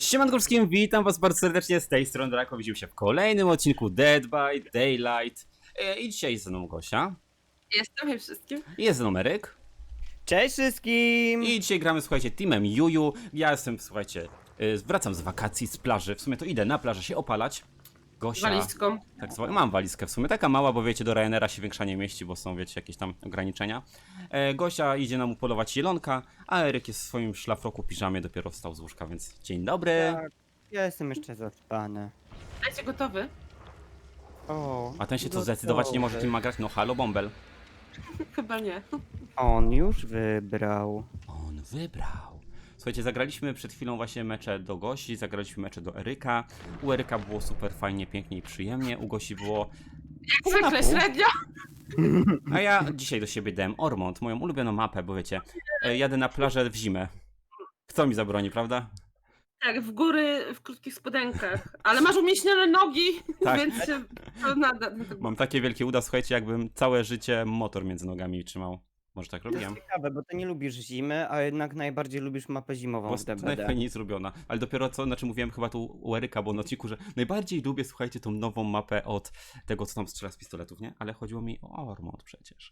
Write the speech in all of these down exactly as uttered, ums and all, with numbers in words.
Siemanko wszystkim, witam was bardzo serdecznie, z tej strony Drako. Widzimy się w kolejnym odcinku Dead by Daylight. E, I dzisiaj jest ze mną Gosia. Jestem, hej wszystkim. I jest ze mną Eryk. Cześć wszystkim! I dzisiaj gramy, słuchajcie, teamem Juju. Ja jestem, słuchajcie, e, wracam z wakacji, z plaży. W sumie to idę na plażę się opalać. Gosia... Walizką. Tak zwana. Mam walizkę w sumie, taka mała, bo wiecie, do Ryanaira się większa nie mieści, bo są, wiecie, jakieś tam ograniczenia. E, Gosia idzie nam upolować zielonka, a Eryk jest w swoim szlafroku, piżamie, dopiero wstał z łóżka, więc dzień dobry. Tak, ja jestem jeszcze zaspany. Dajcie gotowy? O, A ten się co no zdecydować nie może, dobrze. kim ma grać? No halo, bąbel. Chyba nie. On już wybrał. On wybrał. Słuchajcie, zagraliśmy przed chwilą właśnie mecze do Gosi, zagraliśmy mecze do Eryka. U Eryka było super fajnie, pięknie i przyjemnie, u Gosi było... Jak pół na zwykle pół. średnio. A ja dzisiaj do siebie dałem Ormont, moją ulubioną mapę, bo wiecie, e, jadę na plażę w zimę. Kto mi zabroni, prawda? Tak, w góry w krótkich spodenkach. Ale masz umieśnione nogi, Tak. więc się to nada. Mam takie wielkie uda, słuchajcie, jakbym całe życie motor między nogami trzymał. Może tak To jest robiłem? ciekawe, bo ty nie lubisz zimy, a jednak najbardziej lubisz mapę zimową Bo w jest D B D. najfajniej zrobiona. Ale dopiero co, znaczy mówiłem chyba tu u Eryka, bo na odcinku, że najbardziej lubię, słuchajcie, tą nową mapę od tego, co tam strzela z pistoletów, nie? Ale chodziło mi o Ormont przecież.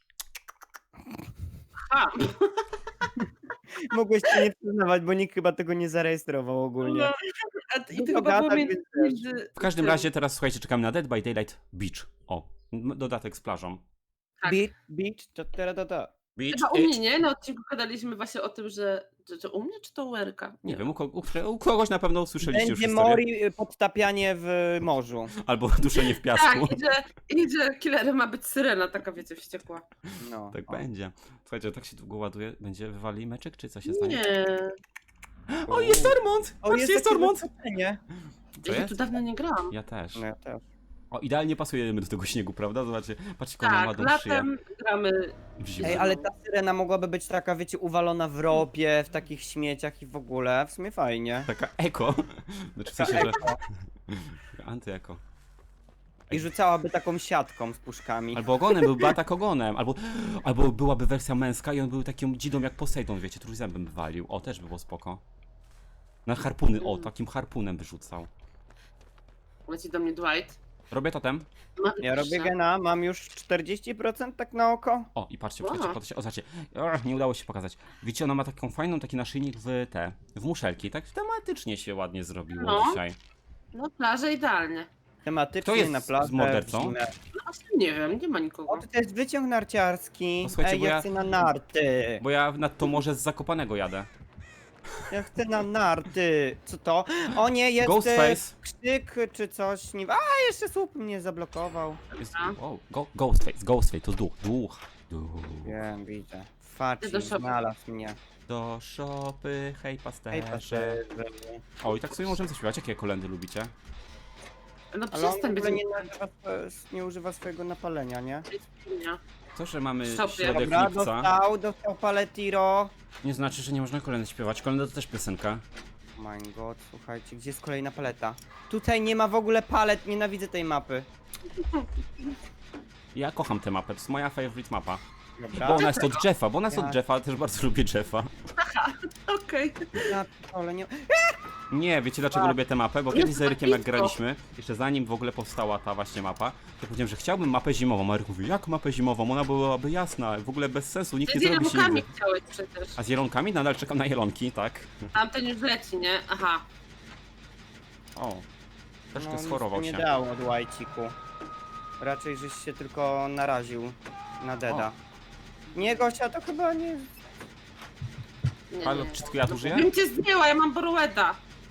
A, Mogłeś się nie przyznawać, bo nikt chyba tego nie zarejestrował ogólnie. no, a, I No to to chyba było gada, między... więc między W każdym tym. razie teraz, słuchajcie, czekamy na Dead by Daylight Beach. O, m- dodatek z plażą. Tak. Beach, beach, to teraz to to. Beach, Chyba u it. mnie, nie? Na odcinku gadaliśmy właśnie o tym, że... Że, że u mnie czy to u Erka? Nie wiem, u, ko- u, u kogoś na pewno usłyszeliście już Będzie historię. mori y, podtapianie w morzu. Albo duszenie w Tak, piasku. i że, i że killerem ma być syrena, taka wiecie, wściekła. No. Tak o. będzie. Słuchajcie, tak się długo ładuje. Będzie wywali meczek, czy co się stanie? Nie. O, jest Ormont! O, Patrzcie, jest takie Ormont! zaskoczenie. Co Ja jest? tu dawno nie grałam. Ja też. No ja też. O, idealnie pasujemy do tego śniegu, prawda? Zobaczcie, patrzcie, jaką ma Tak, ładną szyję latem gramy. w zimę. Ej, ale ta syrena mogłaby być taka, wiecie, uwalona w ropie, w takich śmieciach i w ogóle. W sumie fajnie. Taka eko. Znaczy w sensie, że... Antyeko. I rzucałaby taką siatką z puszkami. Albo ogonem, byłby atak ogonem. Albo, albo byłaby wersja męska i on był taką dzidą jak Poseidon, wiecie, trójzębem by walił. O, też by było spoko. Na harpuny, o, takim harpunem wyrzucał. Leci do mnie Dwight. Robię totem. Ma... Ja robię gena, mam już czterdzieści procent tak na oko. O, i patrzcie, Wow. patrzcie, patrzcie, o, zobaczcie. Ach, nie udało się pokazać. Widzicie, ona ma taką fajną, taki naszyjnik w te, w muszelki. Tak tematycznie się ładnie zrobiło No. dzisiaj. No plaża idealnie. Tematycznie Kto jest na z plażę. mordercą? w zimę. No właśnie nie wiem, nie ma nikogo. O, to jest wyciąg narciarski. O, słuchajcie, Ej, bo ja ja- chcę na narty. Bo ja nad to morze z Zakopanego jadę. Ja chcę na narty. Co to? O nie, jest e, Ghostface. krzyk czy coś. Nie... A, jeszcze słup mnie zablokował. Jest, Dobra. o, go, Ghostface, Ghostface, to duch, duch. Duch. Wiem, widzę. Ty Faci do szopy. znalazł mnie. Do szopy, hej Hej, pasterze. patrzę. O, i tak sobie możemy zaśpiewać. Jakie kolendy lubicie? No Ale on w przestań być ogóle nie, nazywa, nie używa swojego napalenia, nie? nie. To, że mamy Szopy. środek Dobra, lipca, dostał, dostał paletiro. nie znaczy, że nie można kolendy śpiewać. Kolenda to też piosenka. My god, słuchajcie, gdzie jest kolejna paleta? Tutaj nie ma w ogóle palet, nienawidzę tej mapy. Ja kocham tę mapę, to jest moja favorite mapa. Dobra. Bo ona jest od Jeffa, bo ona jest Ja- od Jeffa, ale też bardzo lubię Jeffa. Okej. Ja ale nie... Nie, wiecie dlaczego A. lubię tę mapę? Bo Jest kiedyś z Erykiem jak blisko. graliśmy, jeszcze zanim w ogóle powstała ta właśnie mapa, to powiedziałem, że chciałbym mapę zimową. A Eryk mówi, jak mapę zimową? Ona byłaby jasna, w ogóle bez sensu, nikt Ty nie z zrobi się jelonami nigdy. chciałeś przecież. A z jelonkami? Nadal czekam na jelonki, tak? Tamten już leci, nie? Aha. O, troszkę No, nic schorował nie się. dało od łajciku. Raczej żeś się tylko naraził na deda. Nie, Gosia, to chyba nie... Nie, Halo, nie. czy tylko ja tu żyję? Bym cię zdjęła, ja mam Borueda.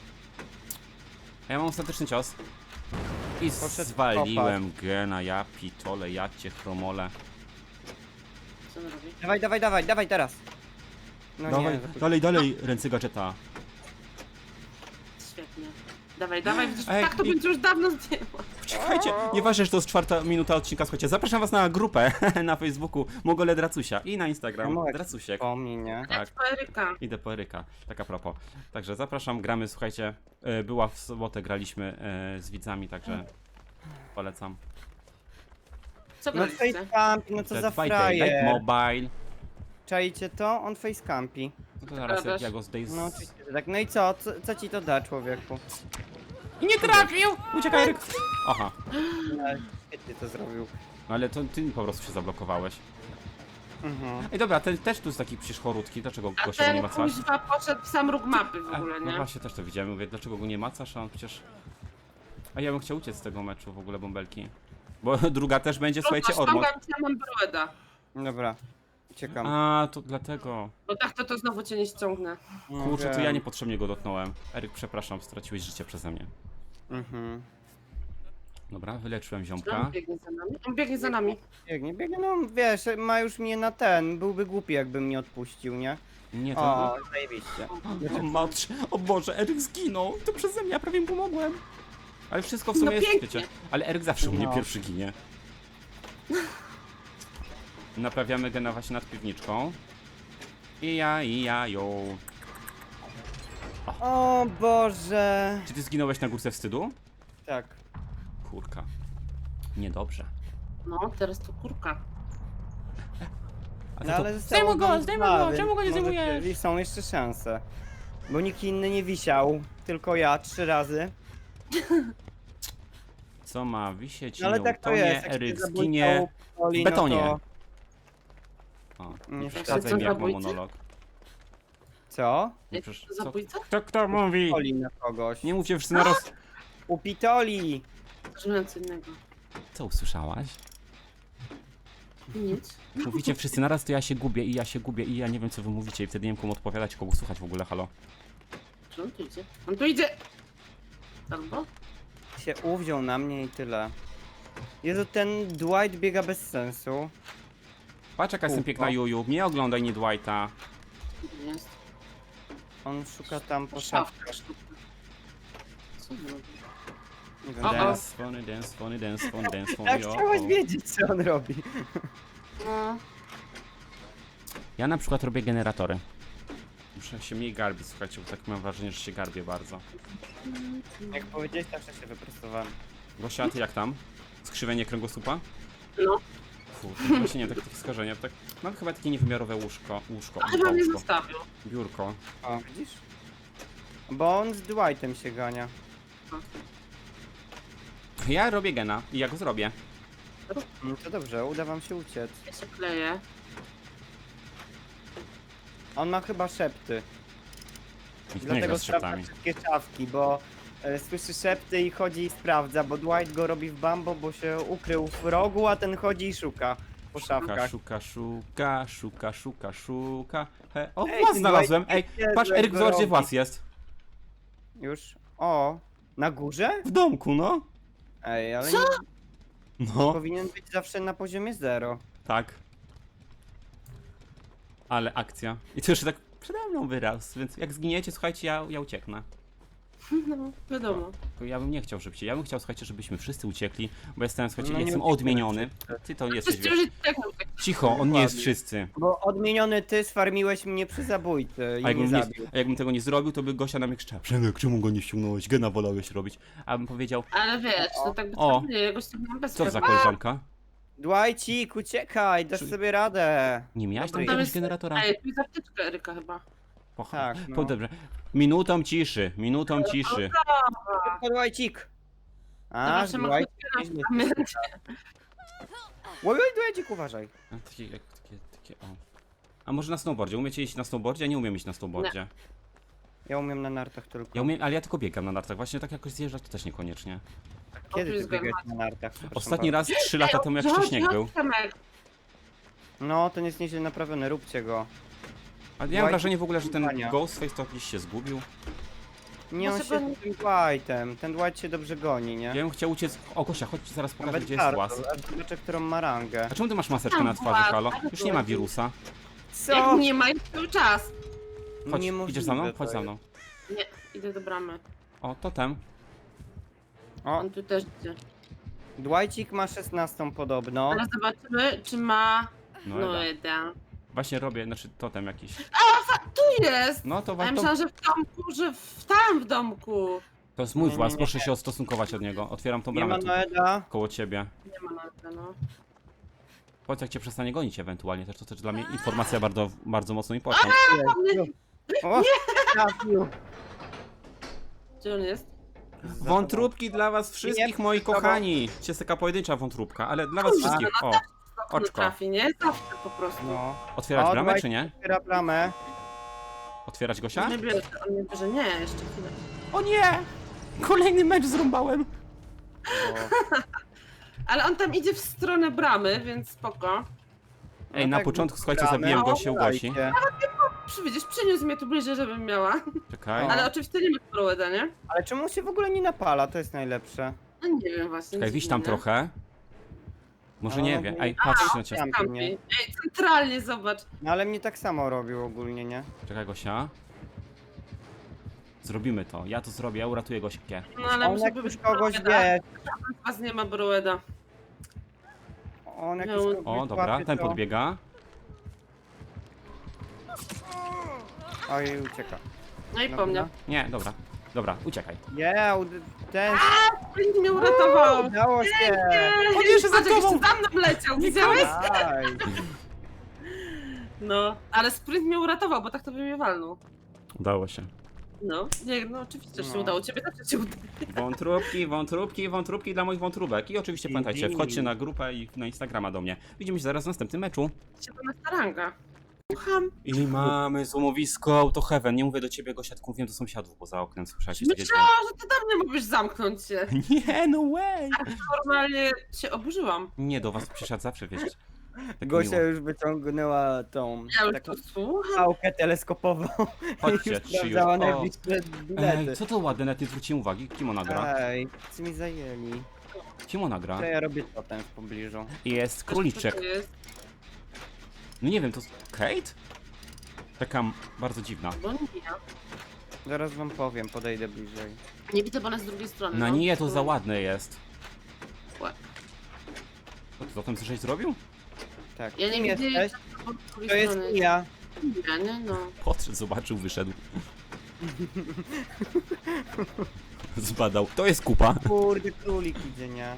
A ja mam ostateczny cios. I Poszedł zwaliłem gena, ja pitole, ja cię chromole. Co on robi? Dawaj, dawaj, dawaj, dawaj teraz. No Dawaj, nie, za- dalej, dalej, ręce gadżeta. Świetnie. Dawaj, dawaj, widzisz, Ej, tak to i- bym cię już dawno zdjęła. Czekajcie, nieważne, że to jest czwarta minuta odcinka, słuchajcie, zapraszam was na grupę na Facebooku Mogole Dracusia i na Instagram No, Dracusiek. Pomnij, nie? Tak, Po Eryka. idę po Eryka, tak a propos. Także zapraszam, gramy, słuchajcie, e, była w sobotę, graliśmy e, z widzami, także polecam. Co No graliście? facecampi, no co za Dead by Daylight frajer. Mobile. Czajcie to? On facecampi. No to zaraz jak Gadasz. ja go zdejmę z... No oczywiście, że tak. No i co? co? Co ci to da, człowieku? I nie trafił! Uciekaj, Eryk! Aha. No, świetnie to zrobił. No ale to ty po prostu się zablokowałeś. Mhm. Ej, dobra, ten też tu jest taki przecież chorutki, dlaczego A go się nie ten macasz? kuźwa poszedł w sam róg mapy w A, ogóle, no nie? właśnie, też to widziałem, mówię, dlaczego go nie macasz, a on przecież... A ja bym chciał uciec z tego meczu w ogóle, bąbelki. Bo druga też będzie, słuchajcie, odmot. Ściągam cię, mam broeda. Dobra. Uciekam. A, to dlatego. Bo tak to to znowu cię nie ściągnę. No Kurczę, to wiem. ja niepotrzebnie go dotknąłem. Eryk, przepraszam, straciłeś życie przeze mnie. Mhm. Dobra, wyleczyłem On ziomka. biegnie za nami. On biegnie za nami. Biegnie, biegnie, no wiesz, ma już mnie na ten. Byłby głupi, jakby mnie odpuścił, nie? Nie, to... O, zajebiście. O, matcz, o Boże, Eryk zginął. To przeze mnie, ja prawie mu pomogłem. Ale wszystko w sumie No jest, pięknie. wiecie. Ale Eryk zawsze u mnie No. pierwszy ginie. Naprawiamy gena właśnie nad piwniczką. I ja, i ja, ją. O Boże. Czy ty zginąłeś na górce wstydu? Tak. Kurka. Niedobrze. No, teraz to kurka. A No to, ale to... zostało Zdejmuj go, nam zdejmuj dwa, go, więc czemu go nie może zdejmujesz? I są jeszcze szanse. Bo nikt inny nie wisiał, tylko ja trzy razy. Co ma wisieć? No ale nie tak to utonie, jest. jak Eryk się zabójcą zginie poli, w betonie. No to... O, Nie nie chcę przeszkadzaj mi, jak mam zabójcy? monolog. Co? Nie Jak przesz... to co? zabójca? Kto, kto mówi? Poli na kogoś. Nie mówcie wszyscy naraz. Upitoli! Żyłem co innego. Co usłyszałaś? Nic. Mówicie wszyscy naraz, to ja się gubię i ja się gubię i ja nie wiem co wy mówicie i wtedy nie wiem komu odpowiadać, kogo słuchać w ogóle, halo. Czy on tu idzie? On tu idzie! Albo? Się uwziął na mnie i tyle. Jezu, ten Dwight biega bez sensu. Patrz jaka jestem Kurwa. piękna Juju, mnie oglądaj, nie Dwighta. Gdzie jest? On szuka tam po Szafka szafkach. sztuka. Co on robi? Nie wiem, O, o. Dance, funny dance, funny dance, funny dance, funny tak o, chciałeś o. wiedzieć, co on robi. No. Ja na przykład robię generatory. Muszę się mniej garbić, słuchajcie, bo tak mam wrażenie, że się garbię bardzo. Jak powiedziałeś, zawsze się wyprostowałem. Gosia, a ty jak tam? Skrzywienie kręgosłupa? No. Kurde, właśnie nie, tak, takie skażenie, tak, mam chyba takie niewymiarowe łóżko, łóżko, A chyba mnie łóżko, zostawił. biurko. O, widzisz? Bo on z Dwightem się gania. Ja robię gena i ja go zrobię. No to dobrze, uda wam się uciec. Ja się kleję. On ma chyba szepty. Nikt nie gra Dlatego z sprawdza szeptami. wszystkie szafki, bo e, słyszy szepty i chodzi i sprawdza, bo Dwight go robi w bambo, bo się ukrył w rogu, a ten chodzi i szuka po Szuka, szafkach. szuka, szuka, szuka, szuka, szuka. He. O, Ej, włas ten znalazłem! Dwight Ej, nie patrz, wie, Eryk, co zobacz gdzie robi. włas jest. Już? O, na górze? W domku, no. Ej, ale Co? nie No, powinien być zawsze na poziomie zero. tak. Ale akcja. I to jeszcze tak przede mną wyraz, więc jak zginiecie, słuchajcie, ja, ja ucieknę. No, wiadomo. Tylko ja bym nie chciał, żebyście, ja bym chciał, słuchajcie, żebyśmy wszyscy uciekli, bo jestem, słuchajcie, No nie jestem uciekniemy odmieniony. wszyscy. Ty to jesteś, Wszyscy wiesz. już tak tak. Cicho, on nie jest Dokładnie. wszyscy. Bo odmieniony ty sfarmiłeś mnie przy zabójcy i A mnie jakbym, nie, zabił. a jakbym tego nie zrobił, to by Gosia na mnie krzyczała: Przemek, czemu go nie ściągnąłeś? Gena wolałeś robić. A bym powiedział: Ale wiesz, to tak by O. nie, jakoś tak mam bez co za prawa. koleżanka? Dwightik, uciekaj, dasz Czy- sobie radę. Nie miałaś tam Dobra, jakiegoś jest- generatora? Ej, tu jest apteczka Eryka chyba. Pocha. Tak, no. Po, dobrze. Minutą ciszy, minutą ciszy. Szybko, Dwightik. A, Zobaczymy, Dwight. chodźmy nieźle na się pamięć. Oj, oj, Dwightik, uważaj. A, takie, jak, takie, takie, o. A może na snowboardzie? Umiecie iść na snowboardzie? Ja nie umiem iść na snowboardzie. Ja umiem na nartach tylko. Ja umiem, ale ja tylko biegam na nartach. Właśnie tak jakoś zjeżdżać to też niekoniecznie. O, Kiedy tu ty jest biegałeś garmat. na nartach? Przepraszam Ostatni bardzo. raz trzy lata temu jak Chodź, śnieg chodź, był. Przemek. No, ten jest nieźle naprawiony, róbcie go. A ja mam Dwight- wrażenie w ogóle, że ten Wania. Ghostface to gdzieś się zgubił. Nie, on Może się go z tym Dwightem. Ten Dwight się dobrze goni, nie? Ja bym chciał uciec. O Gosia, chodź ci zaraz pokażę, Nawet gdzie jest bardzo, łaz. aż zobaczę, którą ma rangę. A czemu ty masz maseczkę Tam na twarzy, włas, halo? ale Już nie ma chodzi. wirusa. Jak Co? nie ma, jest cały czas. Chodź, Niemożliwe idziesz za mną? to Chodź za jest. mną. Nie, idę do bramy. O, totem. O, On tu też idzie. Dwightik ma szesnastą podobno. Ale zobaczymy, czy ma... No, No, no jeden. Właśnie robię, znaczy totem jakiś. Tu jest! No to A ja warto. myślałam, że w domku, że w tam w domku. To jest mój Nie, włas, nie, proszę nie. się odstosunkować od niego. Otwieram tą Nie ma bramę tu, Noeda. koło ciebie. Nie ma nawet, no. Powiedz jak cię przestanie gonić ewentualnie, też to też dla mnie informacja bardzo, bardzo mocno important. Jezu. O, trafił. Gdzie on jest? Za Wątróbki dla was wszystkich, Nie, moi za tobą. kochani. Cię jest taka pojedyncza wątróbka, ale dla was wszystkich. O, Nie oczko. trafi, nie? Zawsze po prostu. tobą. No. Otwierać O, bramę, dawaj. czy nie? Otwiera bramę. Otwierać Gosia? On nie bierze, on nie bierze. Nie, jeszcze chwilę. O nie! Kolejny mecz zrąbałem. Bo... Ale on tam idzie w stronę bramy, więc spoko. Ej, No na tak, początku, słuchajcie, gramy. zabiłem O, Gosię u Gosi. dajcie. Przy, widzisz, przyniósł mnie tu bliżej, żebym miała. Czekaj. O. Ale oczywiście nie ma Proeda, nie? Ale czemu się w ogóle nie napala? To jest najlepsze. No nie wiem właśnie. Czekaj, wiś tam dziwne. trochę. Może No, nie no, wiem. nie- Ej, patrz na cię. Tam Kampi. nie. Ej, centralnie zobacz. No ale mnie tak samo robił ogólnie, nie? Czekaj, Gosia. Zrobimy to. Ja to zrobię, ja uratuję Gosię. No ale On muszę jak być już kogoś Proeda. wie, Z was nie ma Broeda. on jak No. już kogoś O, dobra, łapie, ten to... podbiega. Oj, ucieka. No i Dobra. po mnie. Nie, dobra. Dobra, uciekaj. Yeah, ten... Sprint mnie uratował. Udało się! On jeszcze za jeszcze tobą. za mną leciał, widziałeś? Aj. No, ale sprint mnie uratował, bo tak to by mnie walnął. Udało się. No, nie, no oczywiście, że się No. udało. Ciebie też się udało. Wątróbki, wątróbki, wątróbki dla moich wątróbek. I oczywiście pamiętajcie, wchodźcie na grupę i na Instagrama do mnie. Widzimy się zaraz w następnym meczu. Siedem na staranga. Słucham. I mamy złomowisko Auto Heaven. Nie mówię do ciebie, Gosia, tylko mówię do sąsiadów poza oknem. Słyszałeś takie Myślałam, że ty do mnie mógłbyś zamknąć się. dźwięki? Nie, no way! Normalnie się oburzyłam. Nie, do was przysiadł zawsze, wiesz. Tak Gosia miło. już wyciągnęła tą Ja już taką tu słucham. pałkę teleskopową Chodźcie, i już trzy już. sprawdzała O. najbliższe bilety. Ej, co to ładne, nawet nie zwróciłem uwagi. Kim ona gra? Ej, co mi zajęli? Kim ona gra? To ja robię totem w pobliżu. Jest króliczek. Co to jest? No nie wiem, to Kate? Taka m- bardzo dziwna. Bo nie. Zaraz wam powiem, podejdę bliżej. Nie widzę, bo ona z drugiej strony. Na no. nie, to za ładne jest. Łe. Co ty zatem coś zrobił? Tak, Ja nie kim widzę, jesteś? bo z drugiej To jest strony. ja. Ja, nie, no. Podszedł, zobaczył, wyszedł. Zbadał. To jest kupa. Kurde, królik idzie, nie?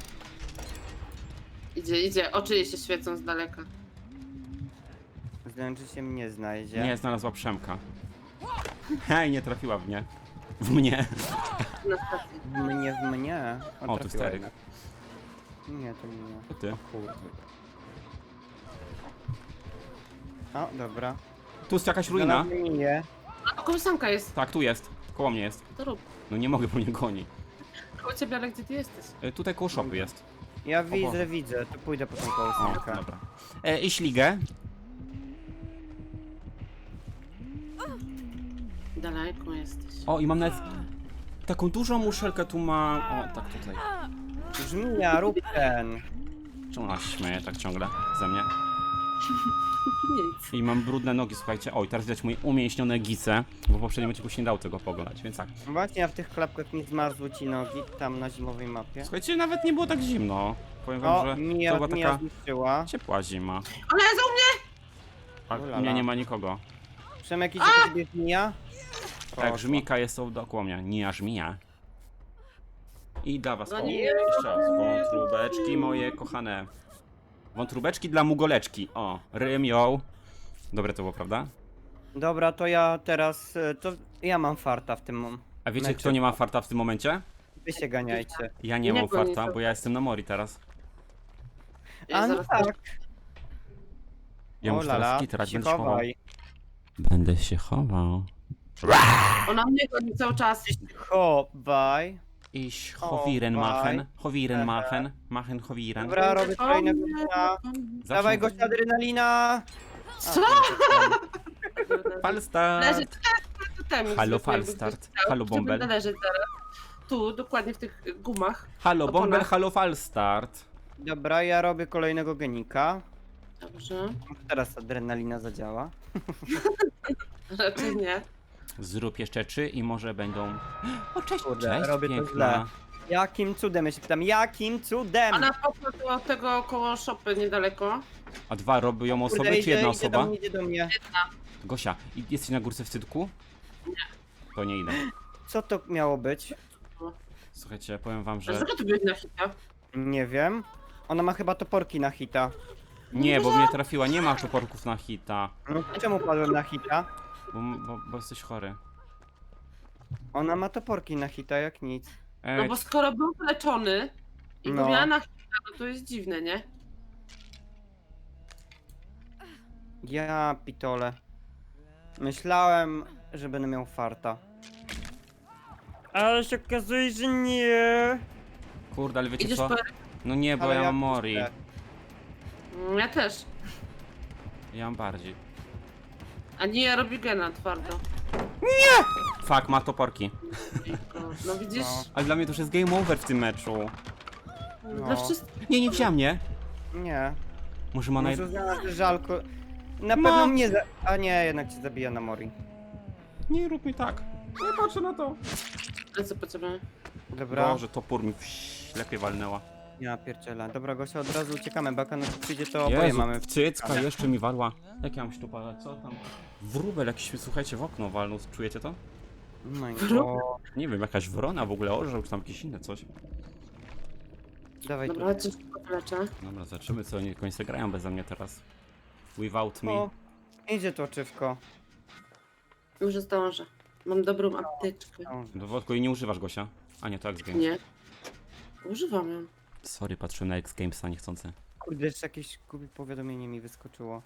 Idzie, idzie. Oczy jej się świecą z daleka. Znaczy się mnie znajdzie. Nie, znalazła Przemka. Hej, nie trafiła w mnie. W mnie. Na stacji. W mnie, w mnie. O, tu trafiła stary. jednak. Nie, to nie ja. To ty. Kurde. O, dobra. Tu jest jakaś ruina. Znalazłem linię. A kołysanka jest. Tak, tu jest. Koło mnie jest. To rób. No nie mogę, bo mnie goni. Koło ciebie, ale gdzie ty jesteś? E, tutaj koło shopy jest. Ja Boże. widzę, widzę. To pójdę po tą O, kołysankę. dobra. E, I śligę. Daleko jesteś. O, i mam nawet taką dużą muszelkę tu mam. O, tak tutaj. Żmija, rób ten. Czemu ona się śmieje tak ciągle ze mnie? Nic. I mam brudne nogi, słuchajcie. Oj, teraz widać moje umięśnione gice, bo w poprzednim odcinku się nie dało tego poglądać, więc tak. Właśnie, a w tych klapkach nie zmarzły ci nogi tam na zimowej mapie. Słuchajcie, nawet nie było tak zimno. Powiem wam, O, że to Mija, była Mija taka zniszczyła. ciepła zima. Ale za mnie! A Ulala. u mnie nie ma nikogo. Przemek, idzie po ciebie Mija? Tak, żmika jest tu dookoła mnie. Nie, żmija. I dla was, No o, nie. jeszcze raz, wątróbeczki moje kochane. Wątróbeczki dla mugoleczki. O, rymioł. Dobre to było, prawda? Dobra, to ja teraz, e, to ja mam farta w tym mom- A wiecie, meczu. kto nie ma farta w tym momencie? Wy się ganiajcie. Ja nie Nie mam goni farta, to. bo ja jestem na mori teraz. Ja A no zaraz tak. Ja O muszę lala, teraz kitrać, się będę się chował. chowaj. Będę się chował. Ona mnie goni cały czas. Chowaj. Ich O, howiren machen, bye. howiren machen, machen howiren. Dobra, robię kolejnego dnia. Zawsze Dawaj mówię- gościa adrenalina! Co? Falstart. Leży tam. Halo, Falstart. Halo, Bąbel. Leży zaraz. Tu, dokładnie w tych gumach. Halo, Opona. Bąbel, halo, Falstart. Dobra, ja robię kolejnego genika. Dobrze. Teraz adrenalina zadziała. Raczej nie. Zrób jeszcze trzy i może będą... O, cześć, Kurde, cześć, robię to piękna. źle. Jakim cudem? Ja się pytam, jakim cudem? Ona poszła do tego koło szopy niedaleko. A dwa robią osoby, Kurde, czy jedna idzie, idzie do osoba? mnie, idzie do mnie. Gosia, i- jesteś na górce w Cydku? Nie. To nie idę. Co to miało być? Słuchajcie, powiem wam, że... Dlaczego tu byłeś na hita? Nie wiem. Ona ma chyba toporki na hita. Nie, bo mnie trafiła, nie ma toporków na hita. No, czemu padłem na hita? Bo, bo, bo jesteś chory. Ona ma toporki na hita jak nic. E, No bo skoro był leczony i No. go miała na chwilę, no to jest dziwne, nie? Ja pitole. Myślałem, że będę miał farta. Ale się okazuje, że nie. Kurde, ale wiecie Idziesz co? po... No nie, bo Ale ja ja mam Mori. puszczę. Mm, Ja też. Ja mam bardziej. A nie, ja robię gena twardo. Fuck, ma toporki. No widzisz? No. Ale dla mnie to już jest game over w tym meczu. No. Dla No. wszystkich. Nie, nie wzięła mnie. Nie. Może ma naj... Może uznała, że żalko. Na Ma. pewno mnie za... A nie, jednak cię zabija na Mori. Nie rób mi tak. Nie patrzę na to. Ale co potrzebujemy? Dobra. Boże, topór mi w ślepie walnęła. Ja pierdzielę. Dobra, Gosia, od razu uciekamy, bo jak ona tu przyjdzie, to oboje Jezu, mamy. cycka jeszcze mi walła. Jak ja mam śtupać? Co tam? Wróbel jakiś, słuchajcie, w okno walnął. Czujecie to? No i Wróbel? o, Nie wiem, jakaś wrona w ogóle orzeł, czy tam jakieś inne coś. dawaj tu. Dobra, coś podleczę. Dobra, zobaczymy, co oni końce grają beze mnie teraz. Without me. O, idzie to oczywko. Może zdążę. Mam dobrą apteczkę. Do wodku i nie używasz, Gosia? A nie, to X Games. Nie. Używam ją. Sorry, patrzyłem na X Gamesa niechcący. Kurde, jeszcze jakieś głupie powiadomienie mi wyskoczyło.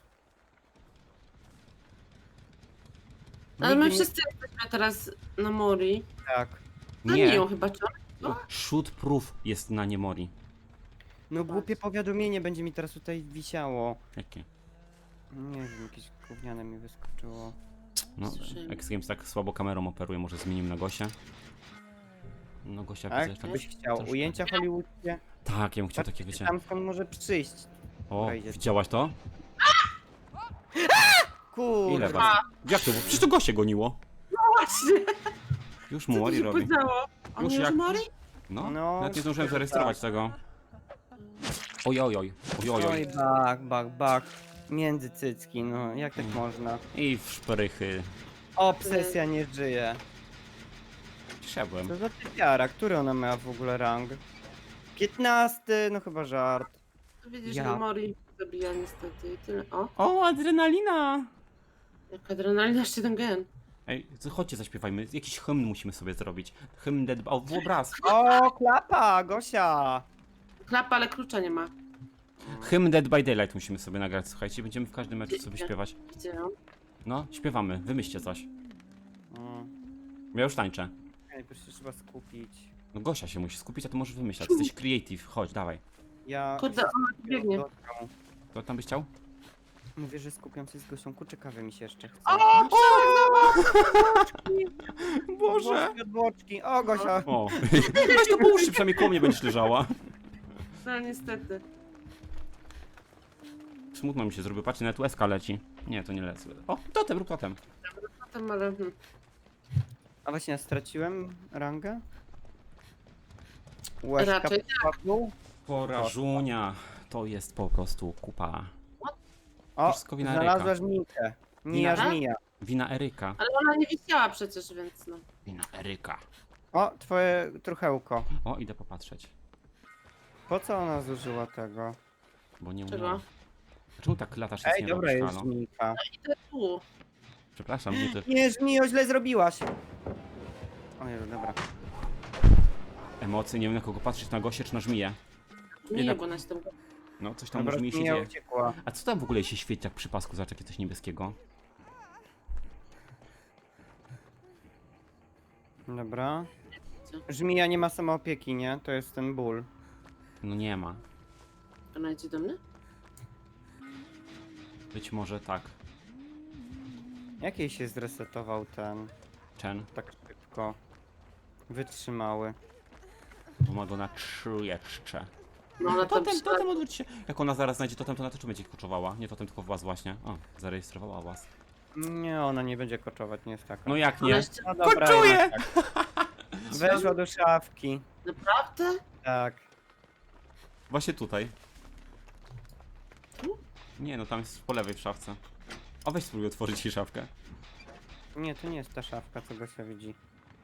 Ale my Nigdy nie- wszyscy jesteśmy teraz na Mori. Tak. A nie Nie, ją chyba, czy shoot proof jest na niemori. No głupie powiadomienie będzie mi teraz tutaj wisiało. Jakie? Nie wiem, jakieś gówniane mi wyskoczyło. No, Słyszałem. X Games tak słabo kamerą operuje, może zmienimy na Gosię. No Gosia Tak? widzę, że tak... Byś chciał. troszkę. Ujęcia hollywoodzkie? Tak, ja bym chciał Patrzcie, takie, wiecie... tam skąd może przyjść. O, wejdzie. widziałaś to? Kurde. Ile was? Jak to? Przecież to Gosie goniło. właśnie? Już Co mu tu Mori się robi. podziało? On Już już jak- Mori? No, No, nawet nie zdążyłem tak. zarejestrować tego. Oj, oj, oj, oj, oj, Oj, oj. bak, bak, bak. Między cycki, no jak tak Mm. można? I w szprychy. Obsesja nie żyje. Siadłem. Co za typiara, który ona miała w ogóle rang? piętnasty, no chyba żart. Widzisz, Ja. że Mori zabija niestety i tyle. O, O, adrenalina! jak adrenalina, jeszcze ten gen. Ej, co- chodźcie, zaśpiewajmy. Jakiś hymn musimy sobie zrobić. Hymn Dead... O, w obraz. O, klapa, Gosia! Klapa, ale klucza nie ma. Hymn Dead by Daylight musimy sobie nagrać, słuchajcie. Będziemy w każdym meczu sobie śpiewać. Gdzie ją? No, śpiewamy. Wymyślcie coś. Mm. Ja już tańczę. Najpierw się trzeba skupić. No Gosia się musi skupić, a ty możesz wymyślać. Jesteś creative. Chodź, dawaj. Ja... Kurde, ona tu biegnie. Dotknął. Co tam byś chciał? Mówię, że skupiam się z Gosią, kurczę mi się jeszcze chce. O, Boczki od boczki. O, Gosia! O, weź to połóż się, przynajmniej koło mnie będziesz leżała. no niestety. Smutno mi się zrobi, patrzcie, nawet łezka leci. Nie, to nie lecę. O, totem, rób totem. Potem, ale... hmm. A właśnie, ja straciłem rangę? Łezka Raczej padł. Porażunia. To jest po prostu kupa. O, Wszystko wina znalazła Eryka. żmijkę. Mija Wina? żmija. Wina Eryka. Ale ona nie wisiała przecież, więc no. Wina Eryka. O, twoje truchełko. O, idę popatrzeć. Po co ona zużyła tego? Bo nie Czego? umiałam. Czemu tak latasz Ej, nie dobra, robisz, jest halo? żmijka. Idę tu. Przepraszam, nie ty. Nie, żmijo, źle zrobiłaś. O Jezu, dobra. Emocje, nie wiem na kogo patrzeć, na Gosię czy na żmiję. Nie, Jednak- bo na się tam... No, coś tam u Dobra, żmii się żmija dzieje. uciekła. A co tam w ogóle się świeci tak przy pasku? Zobacz, jakie coś niebieskiego. Dobra. Co? Żmija nie ma samoopieki, nie? To jest ten ból. No nie ma. Ona idzie do mnie? Być może tak. Jakiej się zresetował ten Chen. tak szybko? Wytrzymały. Bo ma go na trzy jeszcze. No ona tam Totem, przyszła. totem odwróć się. Jak ona zaraz znajdzie totem, to ona też będzie koczowała. Nie totem, tylko was właśnie. O, zarejestrowała was. Nie, ona nie będzie koczować, nie jest taka. No jak Ona nie? jeszcze... No dobra, Koczuję! jednak tak. Weszła do szafki. Naprawdę? Tak. Właśnie tutaj. Tu? Nie, no tam jest po lewej w szafce. O, weź spróbuj otworzyć jej szafkę. Nie, to nie jest ta szafka, co Gosia widzi.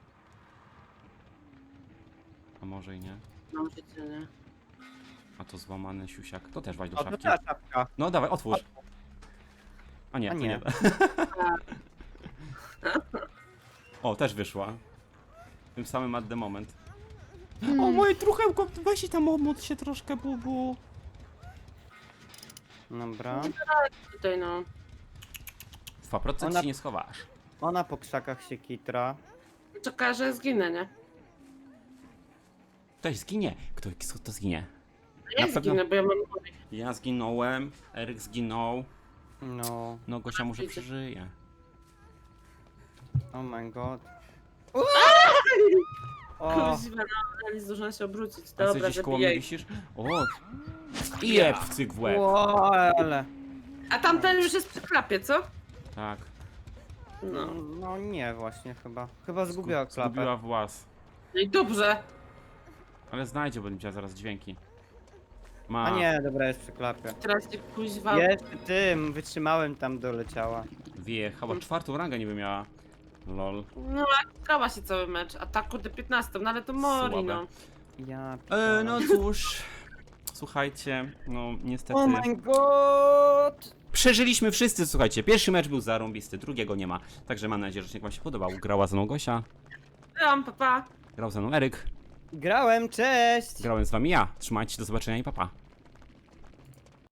A może i nie. No, życie, nie. A to złamany siusiak. To też weź do O, to szafki. ta szafka. No dawaj, otwórz. A nie, A to nie. nie. O, też wyszła. Tym samym at the moment. Hmm. O, moje truchełko, weź i tam omód się troszkę, bubu. Dobra. Tutaj no. dwa procent Ona- się nie schowasz. Ona po krzakach się kitra. Czeka, że zginę, nie? Ktoś zginie. Kto, kto zginie? Ja Na pewno- zginę, bo ja mam gory. Ja zginąłem, Eryk zginął. No. No, Gosia może Widzę. przeżyje. Oh my god. O, Kuźwa, no, ale nie zdążyłam się obrócić. A co, Dobra, gdzieś koło mnie zabijaj. wisisz? O! I jeb w cyk w łeb. o, ale. A tamten już jest przy klapie, co? Tak. No, No. no nie właśnie chyba. Chyba zgubiła Zgu- klapę. Zgubiła włas. No i dobrze. Ale znajdzie, bo będzie miała zaraz dźwięki. Ma. A nie, dobra, jest przy klapie. Teraz się kuźwa. Jest tym, wytrzymałem tam doleciała. Wjechała. Czwartą rangę niby miała. Lol. No, a grała się cały mecz. A tak kurde piętnastą, no ale to Mori, Słabe. no. Ja E, pitole. no cóż. Słuchajcie, no niestety. Oh my god! Przeżyliśmy wszyscy, słuchajcie. Pierwszy mecz był zarąbisty, drugiego nie ma. Także mam nadzieję, że odcinek wam się podobał. Grała ze mną Gosia, Byłam, papa. grał ze mną Eryk, Grałem, cześć! grałem z wami ja. Trzymajcie się, do zobaczenia i papa. Pa.